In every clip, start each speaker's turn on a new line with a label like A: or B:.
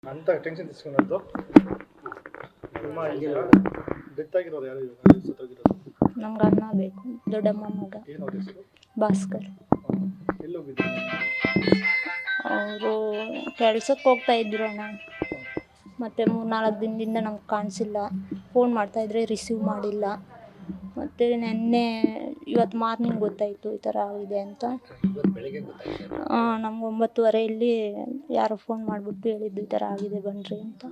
A: ಅಂತ ಟೆನ್ಷನ್ తీసుకున్నದ್ದು ನಿಮ್ಮ ಡೆತ್ ಆಗಿರೋದು ಯಾರು ಸತ್ತೋಗಿರೋದು?
B: ನಮ್ಗೆ ಅಣ್ಣ ಬೇಕು, ದೊಡ್ಡಮ್ಮ ಮಗ
A: ಏನು ಅವ್ರ ಹೆಸರು?
B: ಭಾಸ್ಕರ್.
A: ಎಲ್ಲಿ ಹೋಗಿದ್ರು?
B: ಅವರು ಕೆಲ್ಸಕ್ಕೆ ಹೋಗ್ತಾ ಇದ್ರು ಅಣ್ಣ. ಮತ್ತು 3-4 ದಿನದಿಂದ ನಮ್ಗೆ ಕಾಣಿಸಿಲ್ಲ. ಫೋನ್ ಮಾಡ್ತಾಯಿದ್ರೆ ರಿಸೀವ್ ಮಾಡಿಲ್ಲ. ಮತ್ತು ನೆನ್ನೆ ಇವತ್ತು ಮಾರ್ನಿಂಗ್ ಗೊತ್ತಾಯಿತು ಈ ಥರ ಆಗಿದೆ ಅಂತ. ನಮ್ಗೆ 9:30 ಯಾರೋ ಫೋನ್ ಮಾಡಿಬಿಟ್ಟು ಹೇಳಿದ್ದು ಈ ಥರ ಆಗಿದೆ ಬನ್ನಿರಿ ಅಂತ.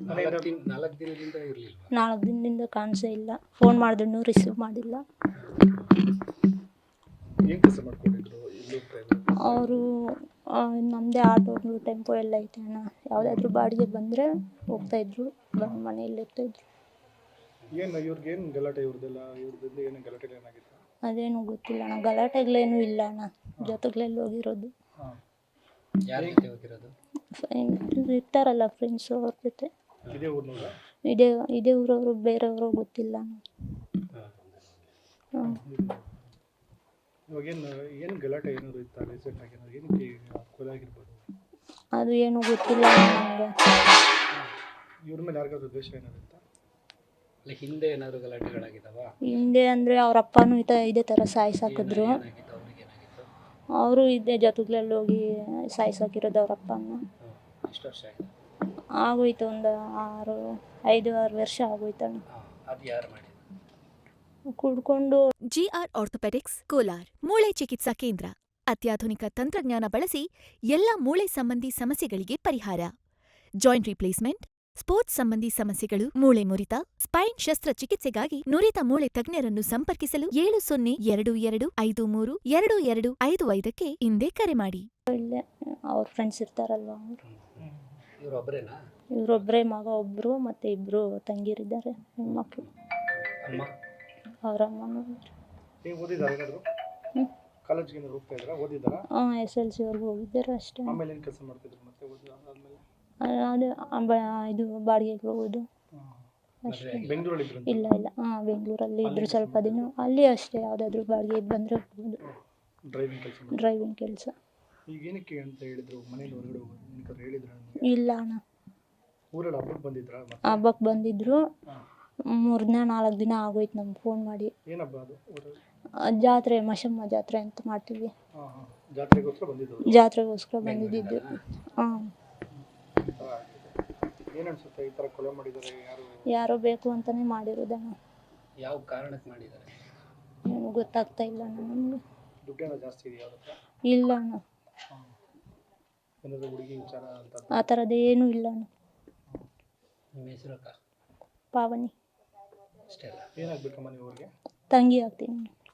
B: 4 ದಿನದಿಂದ ಕಾಣಿಸೇ ಇಲ್ಲ. ಫೋನ್ ಮಾಡಿದ್ರು ರಿಸೀವ್ ಮಾಡಿಲ್ಲ.
A: ಏನು ಕೆಲಸ ಮಾಡ್ಕೊಂಡಿದ್ರು?
B: ಅವರು ನಮ್ಮದೇ ಆಟೋ ಟೆಂಪೋ ಎಲ್ಲ ಐತೆ ಅಣ್ಣ. ಯಾವುದಾದ್ರೂ ಬಾಡಿಗೆ ಬಂದರೆ ಹೋಗ್ತಾಯಿದ್ರು, ಬಂದು ಮನೆಯಲ್ಲಿ ಇರ್ತಾಯಿದ್ರು.
A: ಏನು ಇವ್ರಿಗೇನು ಗಲಾಟೆ? ಇವ್ರದ್ದು ಏನು ಗಲಾಟೆ ಏನಾಗಿತ್ತು?
B: ಅದೇನು ಗೊತ್ತಿಲ್ಲ ಅಣ್ಣ. ಗಲಾಟೆಗಳೇನು ಇಲ್ಲ ಅಣ್ಣ. ಜೊತೆಗಳಲ್ಲಿ ಹೋಗಿರೋದು. ಇರ್ತಾರಲ್ಲ ಫ್ರೆಂಡ್ಸು, ಅವ್ರ ಜೊತೆ. ಇದೇ ಊರವರು, ಬೇರೆಯವರು ಗೊತ್ತಿಲ್ಲ ಅಣ್ಣ.
A: ಏನು ಗಲಾಟೆ ಏನಾದ್ರು ಇತ್ತಾ ರೀಸೆಂಟ್ ಆಗಿ? ಏನಕ್ಕೆ ಕೊಲೆ ಆಗಿರ್ಬೋದು?
B: ಅದು ಏನು ಗೊತ್ತಿಲ್ಲ ನಮಗೆ.
A: ಇವ್ರ ಮೇಲೆ ಯಾರಿಗಾದ್ರೂ ದ್ವೇಷ ಏನಾದ್ರು ಇತ್ತಾ?
C: ಹಿಂದೆ ಏನಾದ್ರು ಗಲಾಟೆಗಳಾಗಿದ್ದಾವ?
B: ಹಿಂದೆ ಅಂದರೆ ಅವ್ರ ಅಪ್ಪನೂ ಇದೇ ಥರ ಸಾಯಿಸಾಕಿದ್ರು. ಅವರು ಇದೇ ಜೊತೆಗಳಲ್ಲಿ ಹೋಗಿ ಸಾಯಿಸಾಕಿರೋದು ಅವ್ರ ಅಪ್ಪನ.
C: ಎಷ್ಟು ವರ್ಷ ಆಗಿದೆ?
B: ಆಗೋಯ್ತು, ಒಂದು 5-6 ವರ್ಷ ಆಗೋಯ್ತಣ್ಣ.
C: ಅದು ಯಾರು ಮಾಡಿದ್ರು?
B: ಕುಡ್ಕೊಂಡು.
D: ಜಿಆರ್ ಆರ್ಥೋಪೆಡಿಕ್ಸ್ ಕೋಲಾರ್ ಮೂಳೆ ಚಿಕಿತ್ಸಾ ಕೇಂದ್ರ. ಅತ್ಯಾಧುನಿಕ ತಂತ್ರಜ್ಞಾನ ಬಳಸಿ ಎಲ್ಲ ಮೂಳೆ ಸಂಬಂಧಿ ಸಮಸ್ಯೆಗಳಿಗೆ ಪರಿಹಾರ. ಜಾಯಿಂಟ್ ರಿಪ್ಲೇಸ್ಮೆಂಟ್, ಸ್ಪೋರ್ಟ್ಸ್ ಸಂಬಂಧಿ ಸಮಸ್ಯೆಗಳು, ಮೂಳೆ ಮುರಿತ, ಸ್ಪೈನ್ ಶಸ್ತ್ರಚಿಕಿತ್ಸೆಗಾಗಿ ನುರಿತ ಮೂಳೆ ತಜ್ಞರನ್ನು ಸಂಪರ್ಕಿಸಲು 7022532255ಕ್ಕೆ ಹಿಂದೆ ಕರೆ ಮಾಡಿ.
B: ಅವ್ರ ಫ್ರೆಂಡ್ಸ್ ಇರ್ತಾರಲ್ವ ಅವರು.
C: ಇವರೊಬ್ಬರೇನಾ?
B: ಇವರೊಬ್ಬರೇ, ಮಗ ಒಬ್ಬರು ಮತ್ತು 2 ತಂಗಿಯರಿದ್ದಾರೆ, ಹೆಣ್ಮಕ್ಳು. ಅವ್ರ ಅಮ್ಮನೂ.
A: ಓದಿದ್ದಾರೆ ಏನಾದ್ರು? ಕಾಲೇಜ್ಗೆ ಹೋಗ್ತಾ ಇದ್ರಾ? ಓದಿದ್ದಾರಾ?
B: SLC ಅವ್ರಿಗೆ ಹೋಗಿದ್ದಾರೆ ಅಷ್ಟೇ.
A: ಆಮೇಲೆ ಏನು ಕೆಲಸ ಮಾಡ್ತಿದ್ರು ಮತ್ತೆ ಓದಿದ್ಮೇಲೆ?
B: ಇದು ಬಾಡಿಗೆಗೆ ಹೋಗೋದು ಅಷ್ಟೇ.
A: ಬೆಂಗಳೂರಲ್ಲಿ?
B: ಇಲ್ಲ ಬೆಂಗಳೂರಲ್ಲಿ ಇದ್ರು ಸ್ವಲ್ಪ ದಿನ. ಅಲ್ಲಿ ಅಷ್ಟೇ, ಯಾವುದಾದ್ರೂ ಬಾಡಿಗೆ ಬಂದರೆ ಹೋಗೋದು. ಡ್ರೈವಿಂಗ್ ಕೆಲಸ.
A: ಈಗ ಏನಕ್ಕೆ ಅಂತ ಹೇಳಿದ್ರು? ಮನೇಲಿ ಹೊರಗಡೆ ಹೋಗೋದು ಹೇಳಿದ್ರು?
B: ಇಲ್ಲ ಅಣ್ಣ.
A: ಊರಲ್ಲಿ ಹಬ್ಬಕ್ಕೆ ಬಂದಿದ್ರಾ?
B: ಹಬ್ಬಕ್ಕೆ ಬಂದಿದ್ರು. 3-4 ದಿನ ಆಗೋಯ್ತು ನಮ್ಗೆ ಫೋನ್ ಮಾಡಿ.
A: ಏನು ಹಬ್ಬ ಅದು?
B: ಜಾತ್ರೆ, ಮಶಮ್ಮ ಜಾತ್ರೆ ಅಂತ ಮಾಡ್ತೀವಿ.
A: ಜಾತ್ರೆಗೋಸ್ಕರ
B: ಬಂದಿದ್ದು.
A: ಏನು ಅನ್ಸುತ್ತೆ ಈ ಥರ ಕೊಲೆ ಮಾಡಿದ್ದಾರೆ?
B: ಯಾರೋ ಬೇಕು ಅಂತಾನೆ ಮಾಡಿರೋದಣ್ಣ.
C: ಯಾವ ಕಾರಣಕ್ಕೆ ಮಾಡಿದ್ದಾರೆ
B: ಏನು ಗೊತ್ತಾಗ್ತಾ ಇಲ್ಲ ನಮಗೆ.
A: ದುಡ್ಡೇನೋ ಜಾಸ್ತಿ ಇದೆಯಾ ಅವ್ರ ಹತ್ರ?
B: ಇಲ್ಲ ಅಣ್ಣ,
A: ಏನಾದರೂ ಹುಡುಗಿ ವಿಚಾರ ಅಂತ
B: ಆ ಥರದ್ದೇನೂ ಇಲ್ಲ ಅಣ್ಣ.
C: ನಿಮ್ಮ ಹೆಸರು ಅಕ್ಕ?
B: ಪಾವನಿ.
C: ಅಷ್ಟೇ ಅಲ್ಲ?
A: ಏನಾಗಬೇಕಮ್ಮ ನೀವು ಅವ್ರಿಗೆ?
B: ತಂಗಿ ಆಗ್ತೀನಿ.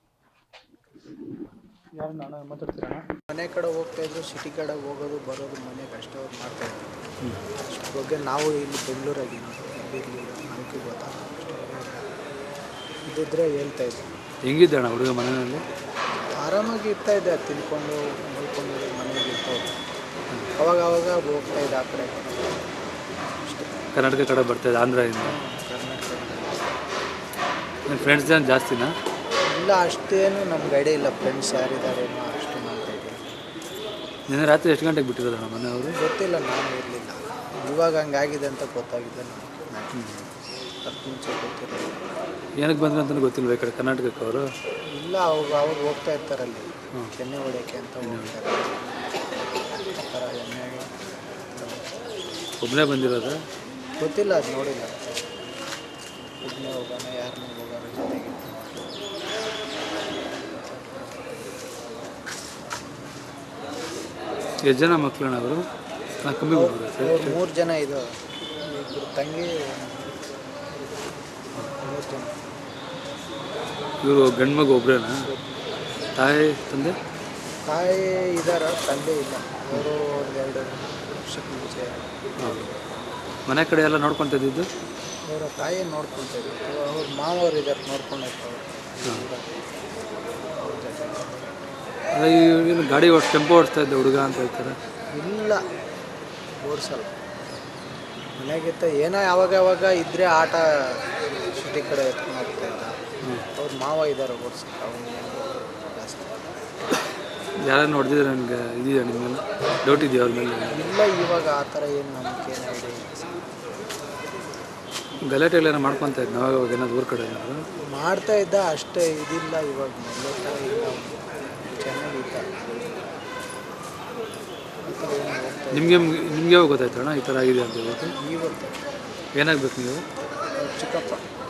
A: ಯಾರು ನಾನು ಮಾತಾಡ್ತೀರಾ?
E: ಮನೆ ಕಡೆ ಹೋಗ್ತಾಯಿದ್ರು, ಸಿಟಿ ಕಡೆ ಹೋಗೋದು ಬರೋದು ಮನೆಗೆ ಅಷ್ಟೇ ಅವ್ರು ಮಾಡ್ತಾಯಿದ್ರು. ಅದ್ರ ಬಗ್ಗೆ ನಾವು ಇಲ್ಲಿ ಬೆಂಗಳೂರಾಗಿದ್ದೀವಿ, ಇರಲಿಲ್ಲ, ನಮಗೆ ಗೊತ್ತಾಗ ಇದ್ದಿದ್ರೆ ಹೇಳ್ತಾಯಿದ್ವಿ.
F: ಹೆಂಗಿದ್ದಣ್ಣ ಹುಡುಗ ಮನೆಯಲ್ಲಿ?
E: ಆರಾಮಾಗಿ ಇರ್ತಾಯಿದ್ದೆ, ತಿನ್ಕೊಂಡು ನೋಡ್ಕೊಂಡು ಮನೆಯಲ್ಲಿ ಇರ್ತಾಯಿದ್ದೆ. ಅವಾಗ ಹೋಗ್ತಾಯಿದ್ದೆ ಆ ಕಡೆ.
F: ಕರ್ನಾಟಕ ಕಡೆ ಬರ್ತಾಯಿದ್ದೆ, ಆಂಧ್ರದಿಂದ?
E: ಕರ್ನಾಟಕ.
F: ನಿಮ್ಮ ಫ್ರೆಂಡ್ಸ್ ಜನ ಜಾಸ್ತಿನಾ?
E: ಇಲ್ಲ, ಅಷ್ಟೇನು ನಮ್ಗೆ ಐಡಿಯಾ ಇಲ್ಲ ಫ್ರೆಂಡ್ಸ್ ಯಾರಿದ್ದಾರೇನೋ ಅಷ್ಟು ಮಾಡ್ತಾಯಿದ್ದೀವಿ.
F: ನಿನ್ನೆ ರಾತ್ರಿ ಎಷ್ಟು ಗಂಟೆಗೆ ಬಿಟ್ಟಿರೋದಣ್ಣ ಮನೆಯವರು?
E: ಗೊತ್ತಿಲ್ಲ, ನಾನು ಇರಲಿಲ್ಲ. ಇವಾಗ ಹಂಗಾಗಿದೆ ಅಂತ ಗೊತ್ತಾಗಿದೆ ನನಗೆ. ಅದಕ್ಕೆ ಮುಂಚೆ ಗೊತ್ತಿರಲಿಲ್ಲ.
F: ಏನಕ್ಕೆ ಬಂದ್ರೆ ಅಂತಲೂ ಗೊತ್ತಿಲ್ವ ಈ ಕಡೆ ಕರ್ನಾಟಕಕ್ಕೆ ಅವರು?
E: ಇಲ್ಲ, ಅವ್ರು ಹೋಗ್ತಾ ಇರ್ತಾರಲ್ಲಿ ಎಣ್ಣೆ ಹೊಡೆಯೋಕ್ಕೆ ಅಂತ ಹೋಗ್ತಾರೆ. ಆ ಥರ ಎಣ್ಣೆಗೆ
F: ಒಬ್ಬನೇ ಬಂದಿರೋದ?
E: ಗೊತ್ತಿಲ್ಲ, ಅದು ನೋಡಿಲ್ಲ. ಒಬ್ಬನೇ ಹೋಗೋಣ, ಯಾರನ್ನೂ ಹೋಗೋಣ ಜೊತೆಗೆ.
F: ಎಷ್ಟು ಜನ ಮಕ್ಕಳಣ್ಣ ಅವರು? ಕಮ್ಮಿ
E: ಅವ್ರು 3 ಜನ ಇದು, 2 ತಂಗಿ, 3 ಜನ.
F: ಇವರು ಗಂಡು ಮಗು ಒಬ್ಬರೇನಾ? ತಾಯಿ ತಂದೆ?
E: ತಾಯಿ ಇದ್ದಾರೆ, ತಂದೆ ಇಲ್ಲ. ಅವರು 2 ವರ್ಷಕ್ಕೆ ಮುಂಚೆ.
F: ಮನೆ ಕಡೆ ಎಲ್ಲ ನೋಡ್ಕೊತಿದ್ದು?
E: ಅವರ ತಾಯಿ ನೋಡ್ಕೊತಿದ್ರು. ಅವ್ರ ಮಾವರು ಇದ್ದಾರೆ, ನೋಡ್ಕೊಂಡಿರ್ತಾರೆ.
F: ಏನು ಗಾಡಿ ಟೆಂಪೋ ಓಡಿಸ್ತಾ ಇದ್ದ ಹುಡುಗ ಅಂತ ಹೇಳ್ತಾರೆ?
E: ಇಲ್ಲ, ಓಡಿಸಲ್ಲ. ಮನೆಗಿತ್ತ ಏನೋ ಯಾವಾಗ ಇದ್ದರೆ ಆಟ ಸಿಟಿ ಕಡೆ ಎತ್ಕೊಂಡು ಹೋಗ್ತಾ ಇದ್ದ. ಅವ್ರ ಮಾವ ಇದ್ದಾರೆ ಓಡಿಸಕ್ಕೆ. ಅವನು ಜಾಸ್ತಿ
F: ಯಾರನ್ನು ಹೊಡೆದಿದ್ರೆ ನನಗೆ ಇದೆಯಾ ನಿಮ್ಮ ಮೇಲೆ ಡೌಟ್ ಇದೆಯಾ ಅವ್ರ ಮೇಲೆ?
E: ಇಲ್ಲ, ಇವಾಗ ಆ ಥರ ಏನು ನಮಗೆ ಏನು ಐಡಿಯಾ ಇಲ್ಲ ಸರ್.
F: ಗಲಾಟೆ ಎಲ್ಲ ಮಾಡ್ಕೊತಾ ಇದ್ದು ನಾವು ಇವಾಗ ಏನಾದ್ರು ಊರ ಕಡೆ ಏನಾದ್ರು
E: ಮಾಡ್ತಾ ಇದ್ದ ಅಷ್ಟೇ, ಇದಿಲ್ಲ ಇವಾಗ ಮೊದಲೇ ಥರ ಇಲ್ಲ, ಚೆನ್ನಾಗಿದ್ದ. ಈ ಥರ ಏನು ಹೋಗ್ತಾ
F: ನಿಮಗೆ ಯಾವಾಗ ಗೊತ್ತಾಯ್ತು ಅಣ್ಣ ಈ ಥರ ಆಗಿದೆ ಅಂತ ಹೇಳ್ಬಿಟ್ಟು?
E: ಇವತ್ತು
F: ಏನಾಗಬೇಕು ನೀವು?
E: ಚಿಕ್ಕಪ್ಪ